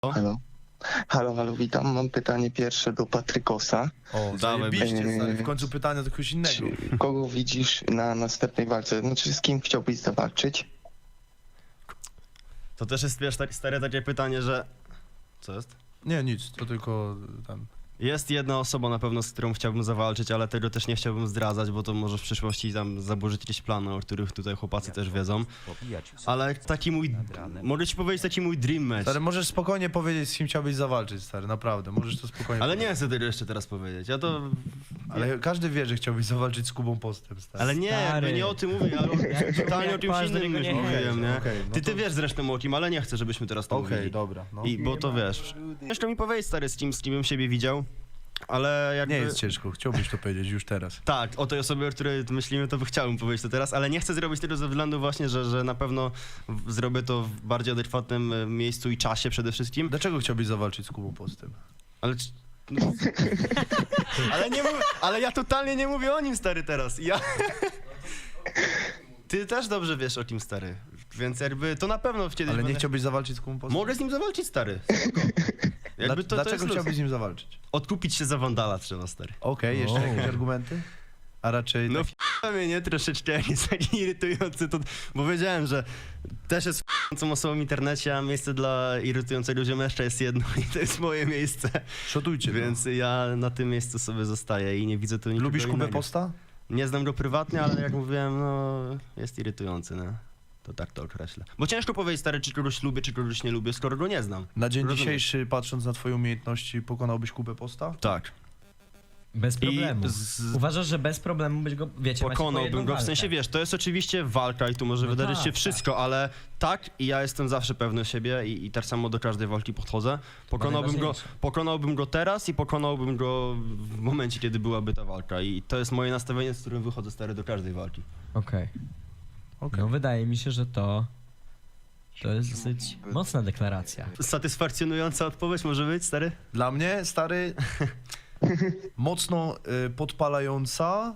Halo. Halo, witam. Mam pytanie pierwsze do Patrykosa. O, Dawaj, zajebiście, stary. W końcu pytania do kogoś innego. Czy kogo widzisz na następnej walce? Znaczy, z kim chciałbyś zawalczyć? To też jest, wiesz, stare takie pytanie, że... Co jest? Nie, nic, to tylko tam... Jest jedna osoba na pewno, z którą chciałbym zawalczyć, ale tego też nie chciałbym zdradzać, bo to może w przyszłości tam zaburzyć jakieś plany, o których tutaj chłopacy też wiedzą. Ale taki mój... Mogę ci powiedzieć taki mój dream match. Stary, możesz spokojnie powiedzieć, z kim chciałbyś zawalczyć, stary, naprawdę, możesz to spokojnie Ale nie powiedzieć. chcę tego jeszcze teraz powiedzieć, ja to... Ale każdy wie, że chciałbyś zawalczyć z Kubą Postem, stary. Ale nie, jakby nie o tym mówię, ale totalnie o czymś Patrz, do innym niego już nie mówiłem, nie? Okej, no Ty to- wiesz zresztą o kim, ale nie chcę, żebyśmy teraz to Okej, mówili. dobra, no. Bo to wiesz. Ciężko mi powiedzieć, stary, z kim bym siebie widział, ale jakby... Nie jest ciężko, chciałbyś to powiedzieć już teraz. Tak, o tej osobie, o której myślimy, to chciałbym powiedzieć to teraz, ale nie chcę zrobić tego ze względu właśnie, że na pewno zrobię to w bardziej adekwatnym miejscu i czasie przede wszystkim. Dlaczego chciałbyś zawalczyć z Kubą Postem? Ale... No. Ale nie mówię, ale ja totalnie nie mówię o nim, stary, teraz. Ty też dobrze wiesz o kim, stary, więc jakby to na pewno kiedyś Ale nie będę... chciałbyś zawalczyć z Kubą Postem? Mogę z nim zawalczyć, stary. Spoko. Jakby to Dlaczego jest luz. chciałbyś z nim zawalczyć? Odkupić się za Wandala trzeba, stary. Okej, jeszcze jakieś argumenty? A raczej... No tak... mnie nie troszeczkę, jak jest taki irytujący, to, bo wiedziałem, że też jest f***ącą osobą w internecie, a miejsce dla irytującego ziomeszcza jest jedno i to jest moje miejsce. Szotujcie, Więc ja na tym miejscu sobie zostaję i nie widzę tu nikogo Lubisz Kubę innego. Posta? Nie znam go prywatnie, ale jak mówiłem, no jest irytujący, no. To tak to określę. Bo ciężko powiedzieć, stary, czy kogoś lubię, czy kogoś nie lubię, skoro go nie znam. Na dzień Rozumiesz? dzisiejszy, patrząc na twoje umiejętności, pokonałbyś Kubę Posta? Tak. Bez problemu. z- Uważasz, że bez problemu byś go, wiecie, macie po jedną Pokonałbym go, w walkę. sensie wiesz, to jest oczywiście walka i tu może No wydarzyć tak, się wszystko, ale tak i ja jestem zawsze pewny siebie i tak samo do każdej walki podchodzę. najważniejsze. Pokonałbym go teraz i pokonałbym go w momencie, kiedy byłaby ta walka i to jest moje nastawienie, z którym wychodzę, stary, do każdej walki. Okej. Okej. No wydaje mi się, że to jest dosyć mocna deklaracja. Satysfakcjonująca odpowiedź może być, stary? Dla mnie, stary, mocno podpalająca,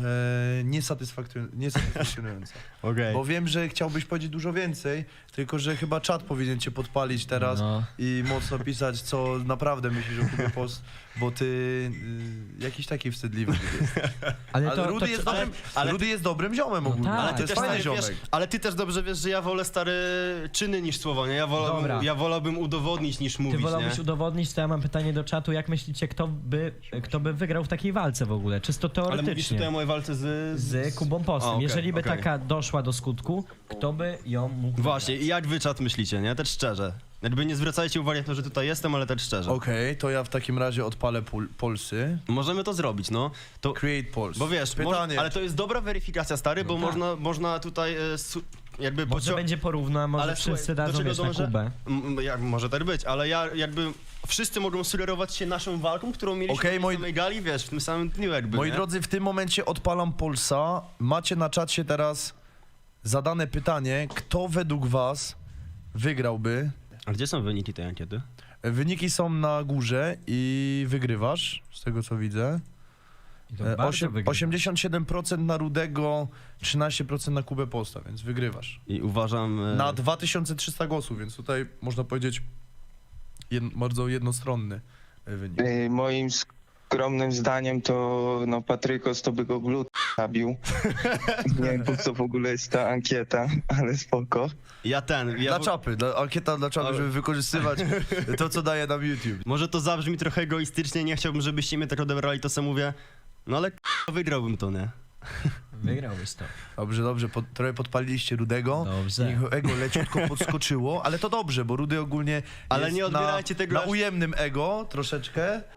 niesatysfakcjonująca. Okej. Bo wiem, że chciałbyś powiedzieć dużo więcej, tylko że chyba czat powinien cię podpalić teraz No. i mocno pisać, co naprawdę myślisz o Kubie Post, bo ty jakiś taki wstydliwy jesteś. Ale Rudy jest dobrym, ale- Rudy jest dobrym ziomem No ogólnie, tak. ale Ale to jest fajny stary, ziomek. wiesz, ale ty też dobrze wiesz, że ja wolę, stary, czyny niż słowa, nie? Dobra. Ja wolałbym udowodnić niż Ty mówić, wolałbyś nie? udowodnić, to ja mam pytanie do czatu, jak myślicie, kto by wygrał w takiej walce w ogóle? Czysto Ale mówisz teoretycznie. tutaj o mojej walce Z Kubą Postem. A, okej, Jeżeli by okej. taka doszła do skutku, kto by ją mógł Właśnie, i jak wy czat myślicie, nie? Tak szczerze. Jakby nie zwracajcie uwagi na to, że tutaj jestem, ale tak szczerze. Okej, to ja w takim razie odpalę Polsy. Możemy to zrobić, no. To, Create Pulse. bo wiesz, pytanie. ale to jest dobra weryfikacja, stary, bo tak. można tutaj jakby... Może będzie porówno, a może Ale wszyscy słuchaj, do dadzą czego wiesz, na dążę? Kubę. Jak może tak być, ale ja jakby... Wszyscy mogą sugerować się naszą walką, którą mieliśmy Okej, na samej gali, wiesz, w tym samym dniu jakby, Moi nie? drodzy, w tym momencie odpalam Polsa. Macie na czacie teraz zadane pytanie, kto według was wygrałby. A gdzie są wyniki tej ankiety? Wyniki są na górze i wygrywasz, z tego co widzę. I to bardzo wygrywa. 87% na Rudego, 13% na Kubę Posta, więc wygrywasz. I uważam... Na 2300 głosów, więc tutaj można powiedzieć bardzo jednostronny wynik. Moim skromnym zdaniem to no Patrykos to by go glut zabił. Nie wiem po co w ogóle jest ta ankieta, ale spoko. Dla czapy, ankieta dla czapy, Ale- żeby wykorzystywać to, co daje nam YouTube. Może to zabrzmi trochę egoistycznie, nie chciałbym, żebyście mnie tak odebrali, to co mówię. No ale wygrałbym to, nie? Wygrałbyś to. Dobrze, trochę podpaliliście Rudego. Dobrze. Jego ego leciutko podskoczyło, ale to dobrze, bo Rudy ogólnie Ale jest nie odbierajcie tego na aż- ujemnym ego troszeczkę.